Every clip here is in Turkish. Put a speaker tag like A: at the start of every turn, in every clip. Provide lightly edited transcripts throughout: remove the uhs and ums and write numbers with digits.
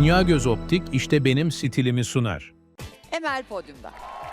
A: Dünya Göz Optik işte benim stilimi sunar.
B: Emel podyumda.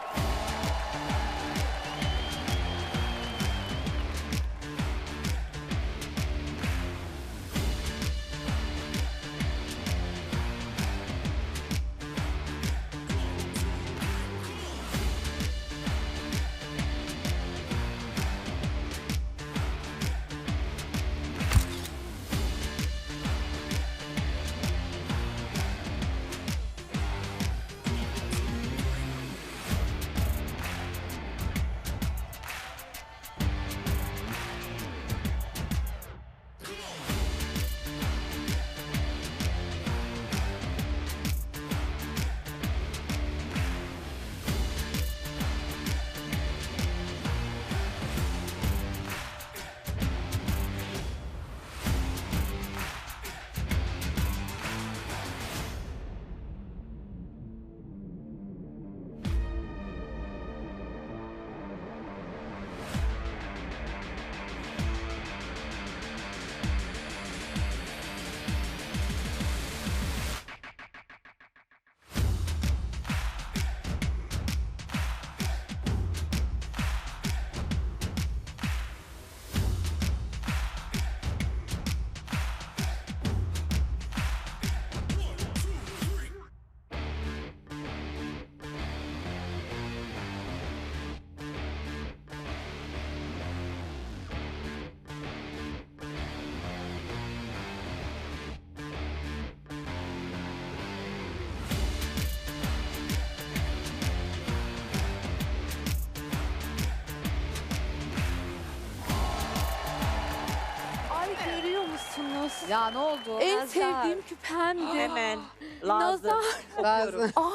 C: Ay görüyor musunuz?
B: Ya ne oldu?
C: En
B: Nazar.
C: sevdiğim küpemdi.
D: Hemen. Lazım.
C: Nazar. Aa.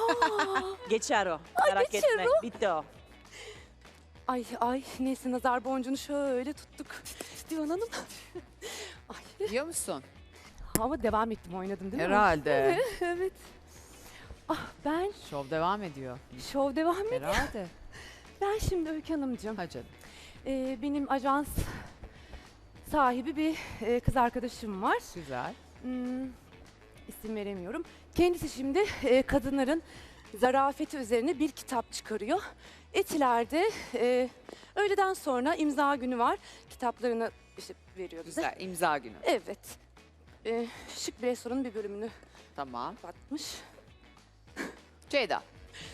D: Geçer o. Merak
C: geçer
D: etme. Bitti o.
C: Ay neyse nazar boncuğunu şöyle tuttuk. Divan Hanım. Ay.
B: Biliyor musun?
C: Ama devam ettim oynadım değil mi?
B: Herhalde.
C: Evet. Ah ben
B: Şov devam ediyor.
C: şov devam ediyor.
B: Herhalde.
C: Ben şimdi Öykü Hanımcığım.
B: Ha canım.
C: Benim ajans sahibi bir kız arkadaşım var.
B: Güzel.
C: İsim veremiyorum. Kendisi şimdi kadınların zarafeti üzerine bir kitap çıkarıyor. Etiler'de öğleden sonra imza günü var. Kitaplarını işte veriyor bize.
B: Güzel. İmza günü.
C: Evet. Şık bir restoranın bir bölümünü
B: Tamam.
C: batmış.
B: Ceyda.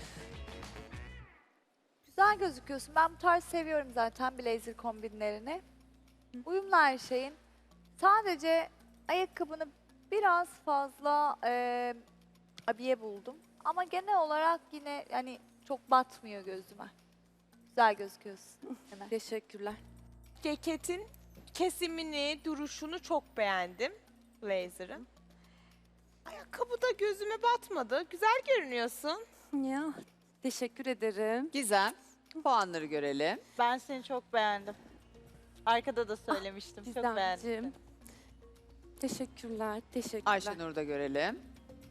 E: Güzel gözüküyorsun. Ben bu tarz seviyorum zaten blazer kombinlerini. Uyumlu her şeyin. Sadece ayakkabını biraz fazla abiye buldum. Ama genel olarak yine yani çok batmıyor gözüme. Güzel gözüküyorsun. Hemen.
C: Teşekkürler.
F: Ceketin kesimini, duruşunu çok beğendim. Blazer'ın. Ayakkabı da gözüme batmadı. Güzel görünüyorsun.
C: Ya teşekkür ederim.
B: Gizem. Puanları görelim.
F: Ben seni çok beğendim. Arkada da söylemiştim. çok beğendim.
C: Gizemciğim. Teşekkürler. Teşekkürler.
B: Ayşenur'u da görelim.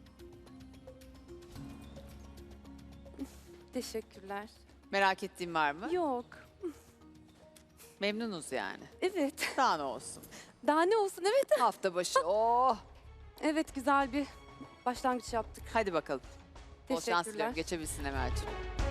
C: Teşekkürler.
B: Merak ettiğin var mı?
C: Yok.
B: Memnunuz yani.
C: Evet.
B: Daha ne olsun.
C: Daha ne olsun evet.
B: Hafta başı. Oh.
C: Evet güzel bir başlangıç yaptık.
B: Hadi bakalım. Bol şans
C: Teşekkürler.
B: diliyorum. Geçebilsin Emel'ciğim.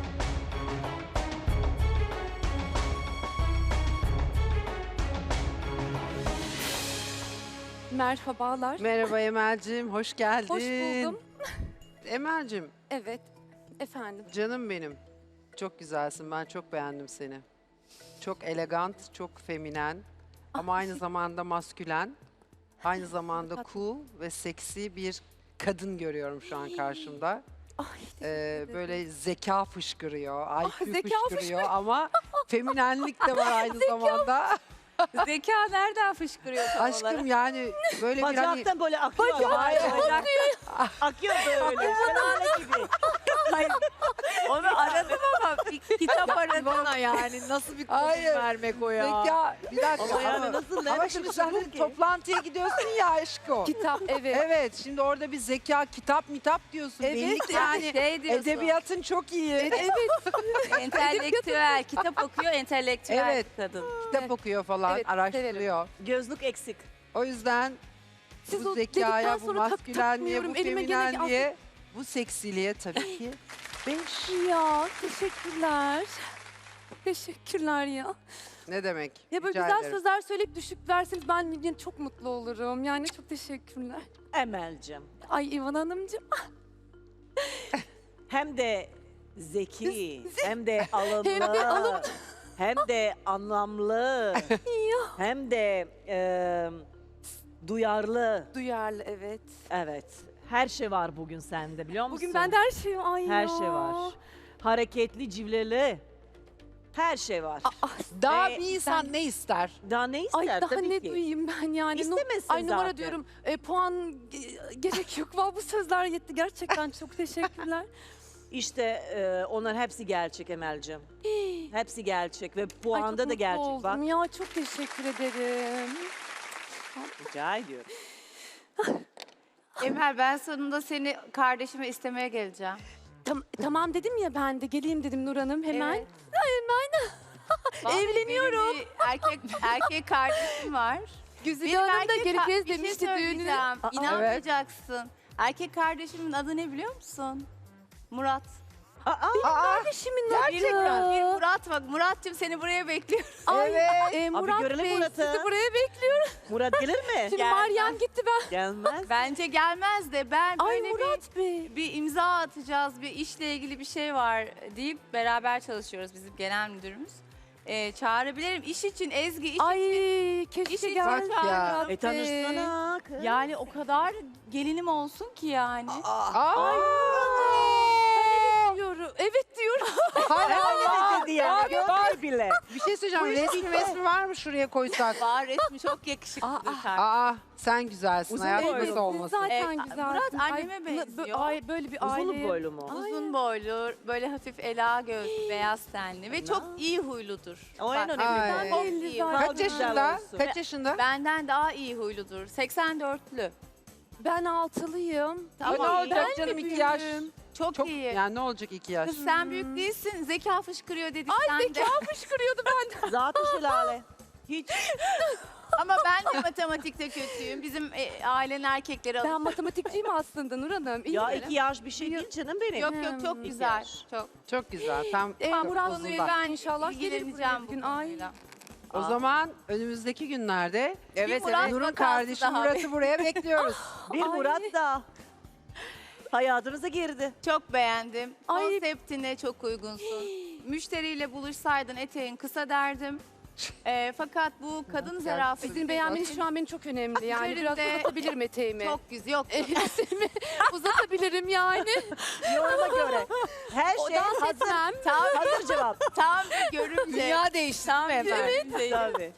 C: Merhabalar.
G: Merhaba Emel'cim, hoş geldin.
C: Hoş buldum.
G: Emel'cim,
C: Evet. Efendim.
G: canım benim. Çok güzelsin, ben çok beğendim seni. Çok elegant, çok feminen ama aynı zamanda maskülen. Aynı zamanda cool ve seksi bir kadın görüyorum şu an karşımda.
C: Ay,
G: Böyle zeka fışkırıyor, IQ
C: zeka
G: fışkırıyor ama feminenlik de var aynı zamanda.
C: Zeka nereden fışkırıyor tam olarak?
G: Aşkım yani böyle bir hani...
D: Bacaktan böyle akıyor.
G: Hayır,
D: Akıyor böyle. Şelale gibi.
B: Onu aradım ama bir kitap aradım. Bana yani nasıl bir konum
G: Hayır.
B: vermek o ya.
G: Zeka, bir dakika
D: Ama yani
G: ama,
D: nasıl,
G: ama
D: nerede
G: şimdi
D: buluşalım
G: sen
D: ki?
G: toplantıya gidiyorsun ya aşko.
C: Kitap evet.
G: Evet, şimdi orada bir zeka, kitap, mitap diyorsun.
C: Evet,
G: Belli ki yani
C: şey diyorsun.
G: edebiyatın çok iyi.
C: Evet.
H: Entelektüel, kitap okuyor, entelektüel
G: Evet.
H: kadın.
G: Kitap okuyor falan,
C: Evet,
G: araştırıyor.
D: Gözlük eksik.
G: O yüzden
C: Siz
G: bu
C: o
G: zekaya,
C: dedikten
G: bu
C: sonra
G: maskülenliğe, bu
C: takmıyorum. Elime gene
G: feminenliğe, bu seksiliğe tabii ki 5.
C: Ya teşekkürler. Teşekkürler ya.
G: Ne demek?
C: Ya böyle
G: Rica
C: güzel
G: ederim.
C: sözler söyleyip düşük verseniz ben yine çok mutlu olurum. Yani çok teşekkürler.
D: Emel'cim.
C: Ay İvan Hanımcığım.
D: Hem de zeki, hem de alımlı,
C: Hem de alımlı.
D: hem de anlamlı, hem de duyarlı.
C: Duyarlı evet.
D: Evet. Her şey var bugün sende biliyor musun?
C: Bugün bende her şey var. Ay
D: her
C: ya.
D: şey var. Hareketli, civleli. Her şey var.
I: Daha
D: Ve
I: bir insan ne ister?
D: Daha ne ister
C: Ay daha
D: tabii
C: ne
D: ki.
C: duyayım ben yani.
D: İstemesin
C: Ay numara
D: zaten.
C: diyorum. Puan gerek yok. Vallahi bu sözler yetti. Gerçekten çok teşekkürler.
D: İşte onlar hepsi gerçek Emel'cim. Hepsi gerçek ve
C: Ay,
D: puanda
C: çok
D: da gerçek
C: mutlu
D: bak.
C: oldum ya. Çok teşekkür ederim.
D: Rica ediyorum.
H: Emel ben sonunda seni kardeşime istemeye geleceğim.
C: Tamam dedim ya ben de geleyim dedim Nur Hanım hemen.
H: Evet.
C: Vallahi Evleniyorum.
H: Benim bir erkek kardeşim var.
C: Güzide Hanım da
H: erkek
C: Gerikez
H: bir şey
C: demişti düğünü.
H: söyleyeceğim. İnanmayacaksın. Erkek kardeşimin adı ne biliyor musun? Murat.
C: Kardeşimin adı.
H: Bir Murat bak. Murat'cığım seni buraya bekliyorum.
C: Ay,
D: Abi
C: Murat
D: görelim
C: Bey
D: Murat'ı.
C: sizi buraya bekliyorum.
D: Murat gelir mi?
C: Şimdi Meryem gitti ben.
D: Gelmez.
H: Bence gelmez de ben
C: Ay
H: böyle
C: Murat Bey.
H: bir imza atacağız, bir işle ilgili bir şey var deyip beraber çalışıyoruz bizim genel müdürümüz. Çağırabilirim. İş için Ezgi, iş
C: Ay
H: için.
C: keşke
H: İşi
C: gelse
H: çok ya.
C: Murat Bey.
D: tanışsana kız.
H: Yani o kadar gelinim olsun ki yani.
C: Ay. Diyorum. Evet diyorum.
D: Evet dedi yani. Var bile.
G: Bir şey söyleyeceğim. Resmi var mı şuraya koysak?
H: Var resmi çok yakışıklıdır.
G: Aa sen güzelsin.
D: Uzun
G: Hayat
D: boylu.
G: nasıl
C: Siz
G: olmasın?
C: zaten güzel.
H: Murat anneme benziyor.
C: Ay böyle bir
D: Uzun
C: aile.
D: boylu mu?
H: Uzun boylu, böyle hafif ela gözlü, beyaz tenli ve çok iyi huyludur.
D: O en
H: Bak,
D: önemli.
G: Ay.
H: çok
C: Belli
H: iyi.
C: zaten.
G: Kaç yaşında?
D: olsun.
G: Kaç yaşında?
H: Benden daha iyi huyludur. 84'lü.
C: Ben altılıyım.
H: Tamam.
G: Ne olacak
C: Ben
G: canım
C: mi
G: 2 yaş?
C: büyüğüm?
H: Çok,
G: Çok
H: iyi.
G: yani ne olacak 2 yaş?
H: Kız sen büyük değilsin. Zeka fışkırıyor dedik sen de.
C: Zeka fışkırıyordu benden.
D: Zaten şelale. Hiç.
H: Ama ben de matematikte kötüyüm. Bizim ailenin erkekleri
C: Ben
H: alır.
C: matematikçiyim aslında Nur Hanım. İyi
D: Ya
C: mi?
D: 2 yaş bir şey değil canım benim.
H: Yok yok çok
C: İki
H: güzel.
D: yaş.
H: Çok.
G: Çok güzel. Tam
C: Murat
G: uzun
C: Bey
G: bak.
H: Ben
C: inşallah gelir buraya
H: ilgileneceğim
C: bir
H: bu
C: gün. Ay.
H: konuyla.
G: O zaman önümüzdeki günlerde
H: Evet, Murat
G: Nur'un
H: vakası
G: kardeşi
H: daha.
G: Murat'ı buraya bekliyoruz.
D: Bir Murat da hayatınıza girdi.
H: Çok beğendim.
C: Ay.
H: Konseptine çok uygunsun. Müşteriyle buluşsaydın eteğin kısa derdim. Fakat bu kadın zarafeti
C: Sizin beğenmeniz şu an benim çok önemli. Yani biraz
H: Üzerinde
C: uzatabilirim eteğimi.
H: çok güzel. Yok.
C: Elbisemi uzatabilirim yani.
D: Yoruma göre. Her
C: O
D: şey
C: dans
D: hazır.
C: etmem.
D: Hazır cevap.
H: Tam bir görünce.
I: değişti
H: Tam
I: efendim.
D: Tabii.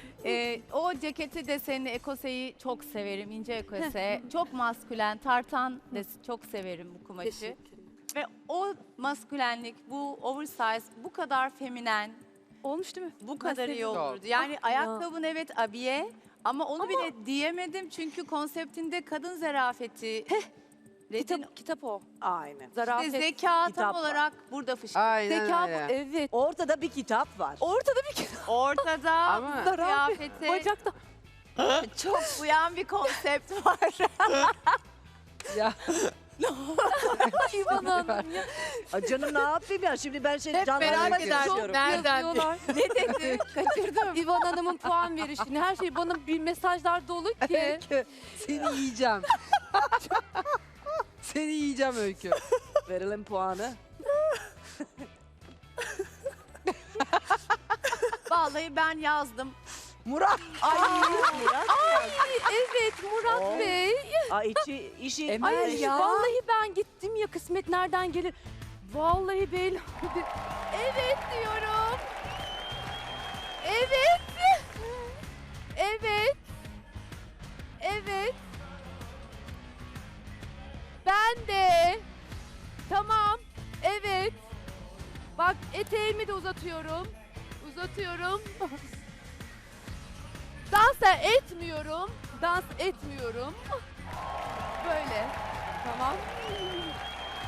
H: O ceketi desenli ekoseyi çok severim. İnce ekose. Çok maskülen. Tartan çok severim bu kumaşı. Ve o maskülenlik, bu oversize, bu kadar feminen,
C: Olmuş değil mi?
H: bu kadar iyi
G: seviyorum.
H: olurdu. Yani ayakkabın evet abiye ama onu bile diyemedim çünkü konseptinde kadın zarafeti.
C: Kitap o.
D: Aynen.
C: Zarafet.
H: Zeka
D: Kitap
H: tam
D: var.
H: olarak burada fışkırıyor.
G: Aynen
C: Zeka bu.
G: öyle.
C: Evet.
D: Ortada bir kitap var.
C: Ortada bir kitap.
H: Ortada
G: Ama-
H: kıyafete
C: Bacakta.
H: çok uyan bir konsept var.
G: Ya.
C: İvan Hanım ya.
D: Ay canım ne yapayım ya? Şimdi ben seni
I: Hep
D: canlandırmak
I: merak ederdim.
D: istiyorum.
I: Nereden?
C: Yazıyorlar.
H: Ne dedi? Kaçırdım.
C: İvan Hanım'ın puan verişini. Her şey bana bir mesajlar dolu ki.
G: Öykü, seni yiyeceğim. Seni yiyeceğim Öykü.
D: Verelim puanı.
H: Vallahi ben yazdım.
G: Murat.
C: Evet Murat
D: Oo.
C: Bey.
D: Ay işi
C: Ay
I: ya.
C: vallahi ben gittim ya kısmet nereden gelir? Vallahi bey. Evet diyorum. Evet. Evet. Evet. Ben de. Tamam. Evet. Bak eteğimi de uzatıyorum. Uzatıyorum. Dans da etmiyorum. Dans etmiyorum. Böyle. Tamam.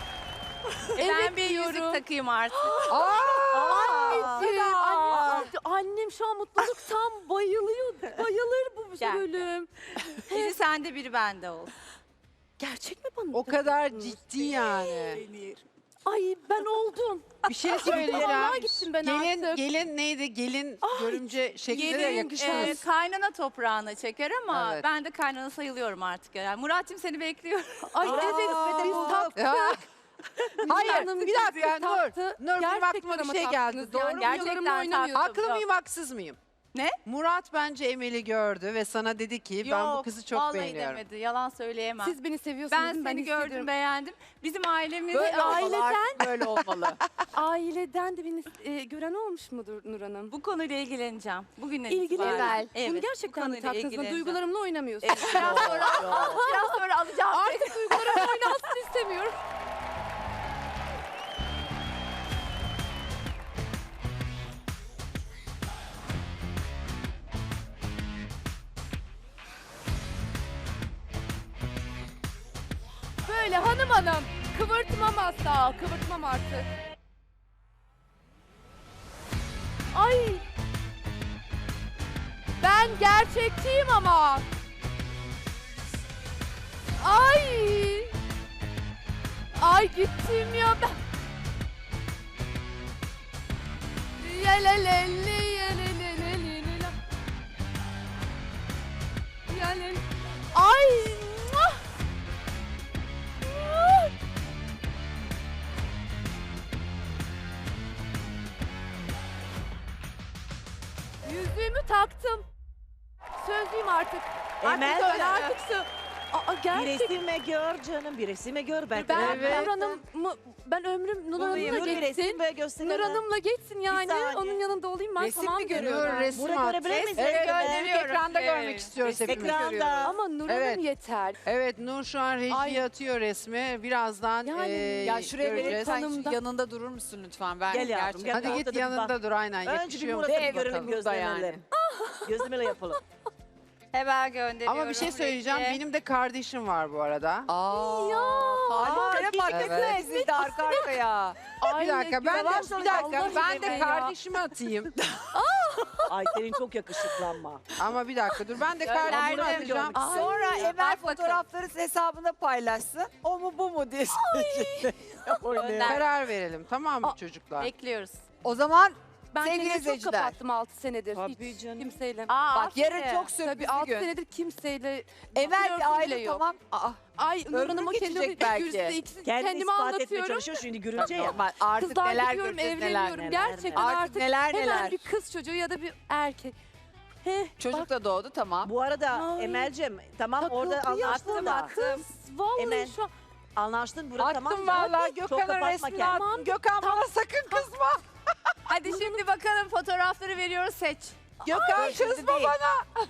H: Ben bir yüzük takayım artık.
C: Anneciğim, annem şu an mutluluktan bayılıyor. Bayılır bu
H: Gel.
C: bölüm.
H: Biri sende biri bende olsun.
C: Gerçek mi bana?
G: O kadar
C: takıyorsunuz?
G: ciddi yani.
C: Ay ben oldum.
G: Bir şey
C: Vallahi
G: söyleyeceğim.
C: gittim ben
G: Gelin,
C: artık.
G: gelin neydi? Gelin görümce şeklinde de
H: Gelin
G: yakışmaz.
H: kaynana toprağına çeker ama
G: Evet.
H: ben de kaynana sayılıyorum artık. Yani Murat'cığım seni bekliyorum.
C: Ay
D: Aa,
C: evet
D: ve de
C: biz
D: bulduk.
C: taktık.
G: Hayır,
C: Hanım
G: bir dakika
C: bizi taktı.
G: Nur. Nur, benim
C: Gerçekten
G: aklıma bir
C: ama
G: şey geldi.
C: taktınız
G: Doğru
C: yani.
G: mu?
H: Gerçekten
C: Yalarımla oynamıyorsunuz.
G: Haklı mıyım, haksız mıyım?
H: Ne?
G: Murat bence Emel'i gördü ve sana dedi ki ben bu
H: Yok,
G: kızı çok
H: vallahi
G: beğeniyorum.
H: demedi. Yalan söyleyemem.
C: Siz beni seviyorsunuz
H: ben
C: değil mi?
H: seni gördüm,
C: hissediyorum.
H: beğendim. Bizim ailemiz
G: Böyle olmalı,
C: aileden-
G: artık böyle olmalı.
C: Aileden de beni gören olmuş mudur Nur Hanım?
H: bu konuyla ilgileneceğim. Bugünden
C: İlgilenin.
H: itibaren.
C: Bunu
H: Evet.
C: gerçekten mi
H: konuyla
C: taktınız?
H: ilgileneceğim.
C: Duygularımla oynamıyorsunuz.
H: Biraz sonra alacağım.
C: Artık duygularımla oynansın istemiyorum. Böyle hanım hanım kıvırtmam asla, kıvırtmam artık. Ay! Ben gerçekçiyim ama. Ay! Ay gittim ya ben. Yelelelli yelelelelelele. Yelel. Ay! Muah! Muah! Yüzüğümü taktım. Sözlüyüm artık.
D: Emel
C: Artık öyle
D: de-
C: artık Aa,
D: Bir
C: gerçek.
D: resime gör canım, bir resime gör. Ben
C: Ben
G: Evet.
C: Nur Hanım'ı, ben ömrüm Nur Hanım'la
D: Nur bir resim
C: geçsin.
D: ve göster.
C: Nur Hanım'la geçsin yani.
D: saniye.
C: Onun yanında olayım ben
G: Resim
C: tamam
G: mi
C: diyorum.
G: görüyor? Resim
D: Bunu
G: at.
D: görebilir miyiz?
G: Evet,
H: gönderiyorum.
G: ekranda
H: Evet.
G: görmek istiyoruz hepimiz.
D: Ekranda.
C: Ama Nur
G: Evet.
C: Hanım yeter.
G: Evet, Nur şu an rejiye
C: Ay.
G: atıyor resmi. Birazdan
C: Yani-
I: Ya şuraya
G: göreceğiz.
I: verip sen
C: Tanımda.
I: yanında durur musun lütfen? Ben
D: Gel yavrum,
I: gerçekten-
D: gel.
G: Hadi git
D: Ortada bir
G: yanında dur aynen.
D: Önce bir
G: Yakışıyor mu?
D: Murat'ı
I: Dev
D: görelim,
I: bakalım.
D: gözlemeleri. Gözlemeleri yapalım.
H: Hemen gönderiyorum.
G: Ama bir şey söyleyeceğim.
H: Peki.
G: Benim de kardeşim var bu arada.
I: Aa, ya.
D: Aa,
I: Markasına
G: evet.
I: ezildi arka arkaya.
G: Bir dakika ben de
C: yavaş
G: bir
C: ol,
G: dakika
C: Allah
G: ben de
C: aşkına ya.
G: kardeşimi atayım.
D: Ay senin çok yakışıklı ama.
G: Ama bir dakika dur ben de
H: Gönderdim.
G: kardeşimi atacağım.
C: Ay,
I: Sonra Emel
H: bak bakalım.
I: fotoğrafları hesabında paylaşsın. O mu bu mu diye.
H: Gönder.
G: Karar verelim tamam mı çocuklar?
H: Bekliyoruz.
I: O zaman
C: Ben
I: sevgili
C: kendimi çok
I: izleyiciler.
C: kapattım 6 senedir.
D: Tabii
C: Hiç
D: canım.
C: kimseyle.
I: Bak yarın
H: aferin.
I: çok
C: Tabii
I: sürpriz
C: 6
I: bir gün.
C: senedir kimseyle
I: Emel
C: flörtüm
I: bir
C: bile
I: aile
C: yok.
I: tamam. Aa,
C: Ay Nur
I: Ömrü
C: Hanım'a
I: geçecek
C: kendimi
I: belki.
C: ikisini
D: Kendini
C: kendime
D: ispat etmeye
C: anlatıyorum.
D: çalışıyor şimdi görünce ya.
I: normal. Artık
C: Kızlar
I: neler
C: gidiyorum
I: göreceğiz neler.
C: evleniyorum.
D: neler,
C: Gerçekten
I: neler.
C: artık,
I: Artık neler,
C: hemen
I: neler.
C: bir kız çocuğu ya da bir erkek. He,
I: Çocuk
C: bak,
I: da doğdu tamam.
D: Bu arada
C: Ay.
D: Emel'cim tamam orada
C: takıldı
D: anlaştın da.
C: kız. Vallahi
D: Emel,
C: şu an.
D: Anlaştın burada tamam
G: Attım
D: mı?
G: vallahi
D: Çok
G: Gökhan'ın
D: kapatma
G: resmini
D: kendini.
G: attım. Gökhan bana sakın kızma.
H: Hadi şimdi bakalım fotoğrafları veriyoruz seç.
G: Gökhan
I: Şimdi
G: kızma
I: değil.
G: bana.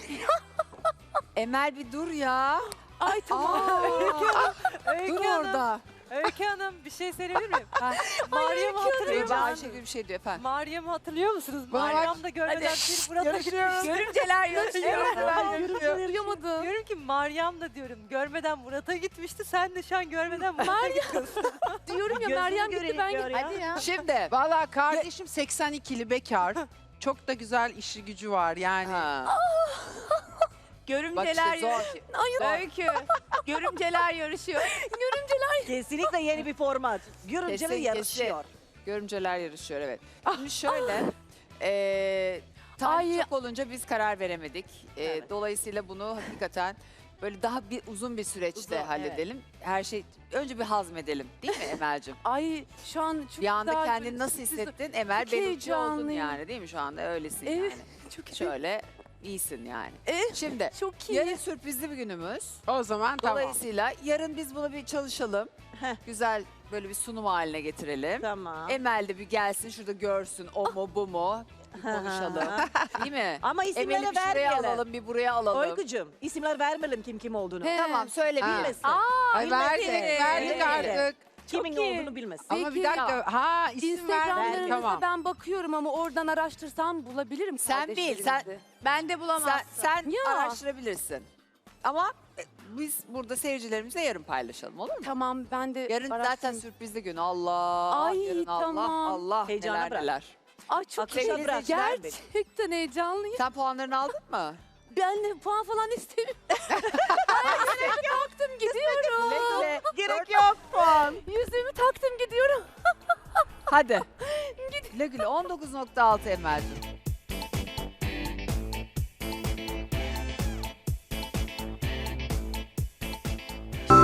I: Emel bir dur ya.
C: Ay tamam.
I: Dur orada.
J: Öykü Hanım bir şey söyleyebilir miyim?
I: Ha.
J: Meryem'i hatırlıyor
I: Ece
J: musunuz?
I: Ayşegül bir şey diyor efendim.
J: Meryem'i hatırlıyor musunuz?
G: Bana bak.
J: Meryem de görmeden bir Murat'a gitmiş.
H: Görümceler yarışıyor.
C: Duyamadım.
J: Diyorum ki Meryem de diyorum görmeden Murat'a gitmişti. Sen de şu an görmeden Murat'a gidiyorsun.
C: Diyorum ya
D: Gözünü
C: Meryem gitti
D: göreyim
C: ben
D: gör
C: gittim.
D: ya.
C: Hadi ya.
G: Şimdi valla kardeşim 82'li bekar. Çok da güzel işi gücü var yani.
I: Ha. Bak
H: Görümceler
I: işte
H: yarışıyor.
I: zor.
H: Öykü. Görümceler yarışıyor.
D: Kesinlikle yeni bir format. Görümceler
I: Kesin,
D: yarışıyor.
I: Görümceler yarışıyor evet. Şimdi şöyle. Tam
C: Ay.
I: çok olunca biz karar veremedik.
D: Evet.
I: Dolayısıyla bunu hakikaten böyle daha bir uzun bir süreçte
D: Uzun,
I: halledelim. Her şey önce bir hazmedelim değil mi Emel'cim?
C: Ay şu an çok
I: Bir anda
C: güzel
I: kendini
C: böyle
I: nasıl
C: sürpriz-
I: hissettin? Emel
C: Çok
I: belirtici oldun
C: heyecanlıyım.
I: yani değil mi şu anda? Öylesin
C: Evet,
I: yani.
C: çok iyi.
I: Şöyle iyisin yani.
C: Evet,
I: Şimdi
C: çok iyi.
I: yarın sürprizli bir günümüz.
G: O zaman tamam.
I: Dolayısıyla yarın biz bunu bir çalışalım.
D: Heh.
I: Güzel böyle bir sunum haline getirelim.
D: Tamam.
I: Emel de bir gelsin şurada görsün o mu bu mu bir konuşalım. Değil mi?
D: Ama isimleri
I: Emel'i bir şuraya
D: vermeyelim.
I: alalım bir buraya alalım.
D: Oykucuğum isimler vermeyelim kim olduğunu.
C: He.
I: Tamam söyle
G: Ha.
I: bir.
D: Bilmesin.
G: Ay verdik, verdik
D: Bilmeyelim.
G: artık.
D: Kimin
C: iyi.
D: olduğunu bilmesin.
G: Ama bir
C: Peki.
G: dakika. Ha isim verdik.
C: Instagramlarınıza
G: Tamam.
C: ben bakıyorum ama oradan araştırsam bulabilirim
I: Sen bil, sen-
C: kardeşlerinizi.
H: Ben de bulamazsın.
I: Sen
C: Ya.
I: araştırabilirsin. Ama biz burada seyircilerimizle yarın paylaşalım olur mu?
C: Tamam ben de
I: Yarın zaten
C: araştırayım.
I: sürprizli gün. Allah.
C: Ay,
I: yarın Allah
C: tamam.
I: Allah
D: Heyecana
I: neler
D: bırak.
I: neler.
C: Ay çok
D: Akışa
C: heyecanlıyım.
D: bırak, verme.
C: Gerçekten heyecanlıyım.
I: Sen puanlarını aldın mı?
C: Ben de puan falan istemiyorum. Yüzüğümü taktım gidiyorum.
I: Bekle.
D: Gerek yok puan.
C: Yüzüğümü taktım gidiyorum.
I: Hadi. Güle güle 19.6 Emel'cim.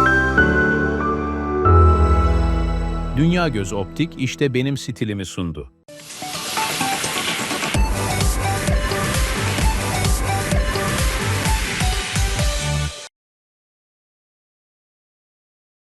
A: Dünya Göz Optik işte benim stilimi sundu.